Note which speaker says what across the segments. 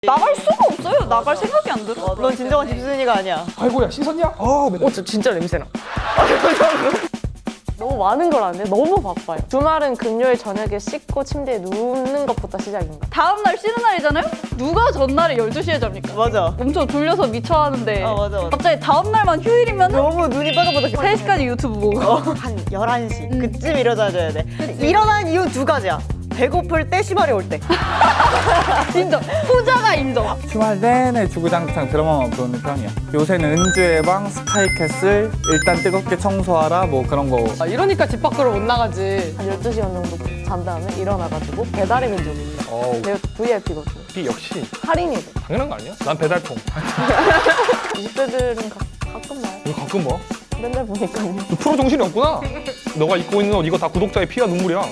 Speaker 1: 나갈 수가 없어요. 나갈 생각이 안 들어.
Speaker 2: 넌 진정한 집순이가 아니야.
Speaker 3: 아이고야 씻었냐?
Speaker 4: 저 진짜 냄새나. 너무 많은 걸 안 해. 너무 바빠요. 주말은 금요일 저녁에 씻고 침대에 눕는 것부터 시작인가.
Speaker 1: 다음날 쉬는 날이잖아요? 누가 전날에 12시에 잡니까?
Speaker 2: 맞아.
Speaker 1: 엄청 졸려서 미쳐 하는데
Speaker 2: 맞아.
Speaker 1: 갑자기 다음날만 휴일이면
Speaker 2: 너무 눈이 바닥바닥
Speaker 1: 3시까지 유튜브 보고
Speaker 2: 한 11시 그쯤 일어나줘야 돼. 일어난 이유 두 가지야. 배고플 때, 시발이 올 때.
Speaker 1: 인정. 후자가 인정.
Speaker 3: 주말 내내 주구장창 드라마만 보는 편이야. 요새는 은주의 방, 스카이캐슬, 일단 뜨겁게 청소하라 뭐 그런 거.
Speaker 4: 이러니까 집 밖으로 못 나가지. 한 12시간 정도 잔 다음에 일어나가지고 배달의 민족입니다. 내가 VIP거든요.
Speaker 3: 이 역시
Speaker 4: 할인이고.
Speaker 3: 당연한 거 아니야? 난 배달통.
Speaker 4: 20대들은 가끔 나요.
Speaker 3: 이거 가끔 봐.
Speaker 4: 맨날 보니까요.
Speaker 3: 너 프로 정신이 없구나. 너가 입고 있는 옷 이거 다 구독자의 피와 눈물이야.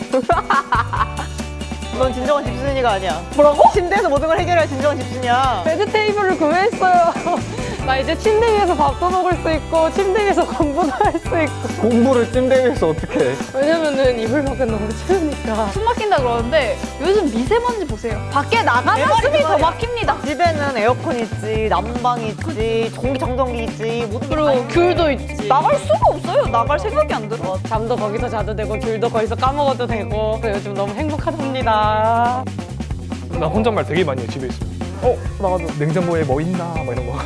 Speaker 2: 넌 진정한 집순이가 아니야. 뭐라고? 침대에서 모든 걸 해결할 진정한 집순이야.
Speaker 4: 베드 테이블을 구매했어요. 나 이제 침대 위에서 밥도 먹을 수 있고 침대 위에서 공부도 할 수 있고.
Speaker 3: 공부를 침대 위에서 어떻게 해?
Speaker 4: 왜냐면은 이불밖에 너무 추우니까.
Speaker 1: 숨 막힌다 그러는데 요즘 미세먼지 보세요. 밖에 나가면
Speaker 2: 대박이다,
Speaker 1: 숨이 더
Speaker 2: 말이야.
Speaker 1: 막힙니다.
Speaker 2: 집에는 에어컨 있지, 난방 있지, 공기청정기 있지, 모든 게 다
Speaker 1: 그리고
Speaker 2: 있는데.
Speaker 1: 귤도 있지. 나갈 수가 없어요. 나갈 생각이 안 들어.
Speaker 4: 잠도 거기서 자도 되고 귤도 거기서 까먹어도 되고. 그래서 요즘 너무 행복하답니다.
Speaker 3: 나 혼잣말 되게 많이 해 집에 있으면.
Speaker 4: 나도.
Speaker 3: 냉장고에 뭐 있나 막 이런 거.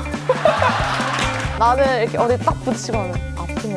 Speaker 4: 나는 이렇게 어디 딱 부딪히면 아프네.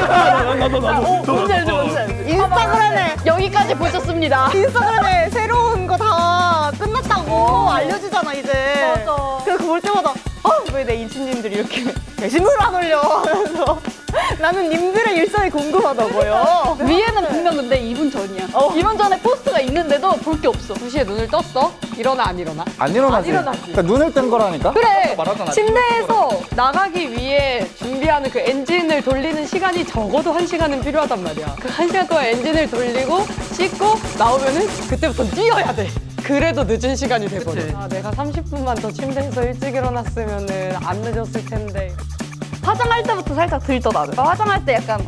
Speaker 2: 뭔지 알지, 뭔지 알지. 인스타그램에,
Speaker 1: 여기까지 보셨습니다.
Speaker 2: 인스타그램에 새로운 거 다 끝났다고 알려주잖아, 이제.
Speaker 1: 맞아.
Speaker 2: 그래서 그거 볼 때마다, 왜 내 인친님들이 이렇게 게시물을 안 올려? 하면서 나는 님들의 일상이 궁금하다고요.
Speaker 1: 위에는 분명 근데 2분 전이야. 2분 전에 포스트가 있는데도 볼 게 없어.
Speaker 4: 2시에 눈을 떴어? 일어나 안 일어나?
Speaker 3: 안 일어나지.
Speaker 4: 안 일어나지.
Speaker 3: 그러니까 눈을 뜬 거라니까.
Speaker 4: 그래!
Speaker 3: 말하잖아.
Speaker 4: 침대에서 나가기 위해 준비하는 그 엔진을 돌리는 시간이 적어도 1시간은 필요하단 말이야. 그 1시간 동안 엔진을 돌리고 씻고 나오면은 그때부터 뛰어야 돼. 그래도 늦은 시간이 돼버려. 아, 내가 30분만 더 침대에서 일찍 일어났으면은 안 늦었을 텐데.
Speaker 1: 화장할 때부터 살짝 들떠 나는. 화장할 때 약간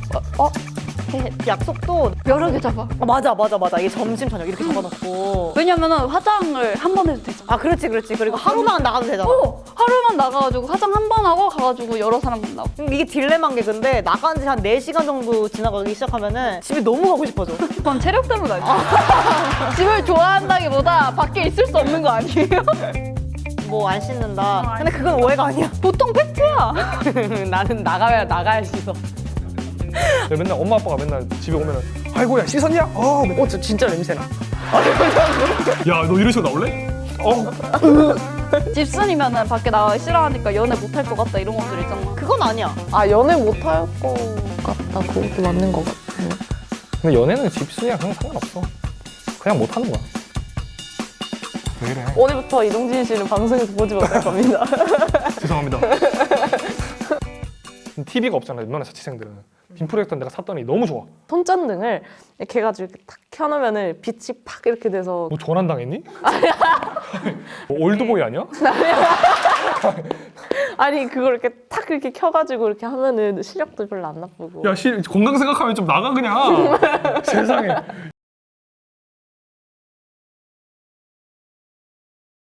Speaker 2: 약속도
Speaker 1: 여러 개 잡아.
Speaker 2: 맞아. 이게 점심 저녁 이렇게 적어놓고.
Speaker 1: 왜냐면은 화장을 한 번 해도 되잖아.
Speaker 2: 그렇지. 그리고 하루만 나가도 되잖아.
Speaker 1: 하루만 나가가지고 화장 한 번 하고 가가지고 여러 사람 만나고.
Speaker 2: 이게 딜레마인 게 근데 나간 지 한 4시간 정도 지나가기 시작하면은 집에 너무 가고 싶어져.
Speaker 1: 그건 체력 때문 아니야? 집을 좋아한다기보다 밖에 있을 수 없는 거 아니에요?
Speaker 2: 뭐 안 씻는다. 근데 그건 오해가 아니야.
Speaker 1: 보통 팩트야.
Speaker 4: 나는 나가야 씻어.
Speaker 3: 맨날 엄마 아빠가 맨날 집에 오면은 아이고야 씻었냐? 맨날.
Speaker 4: 저 진짜 냄새나.
Speaker 3: 야, 너 이런 식으로 나올래?
Speaker 1: 집순이면은 밖에 나가기 싫어하니까 연애 못할 것 같다 이런 것들 있잖아.
Speaker 2: 그건 아니야.
Speaker 4: 연애 못할 것 같다. 그것도 맞는 것 같아.
Speaker 3: 근데 연애는 집순이랑 그냥 상관없어. 그냥 못 하는 거야. 왜 이래?
Speaker 4: 오늘부터 이동진 씨는 방송에서 보지 못할 겁니다.
Speaker 3: 죄송합니다. TV가 없잖아, 웬만한 자취생들은. 빈 프로젝터 내가 샀더니 너무 좋아.
Speaker 4: 손전등을 이렇게 해가지고 이렇게 탁 켜놓으면은 빛이 팍 이렇게 돼서
Speaker 3: 너 전환 당했니? 뭐 올드보이 아니야?
Speaker 4: 아니 그걸 이렇게 탁 이렇게 켜가지고 이렇게 하면은 시력도 별로 안 나쁘고.
Speaker 3: 야, 건강 생각하면 좀 나가 그냥. 세상에.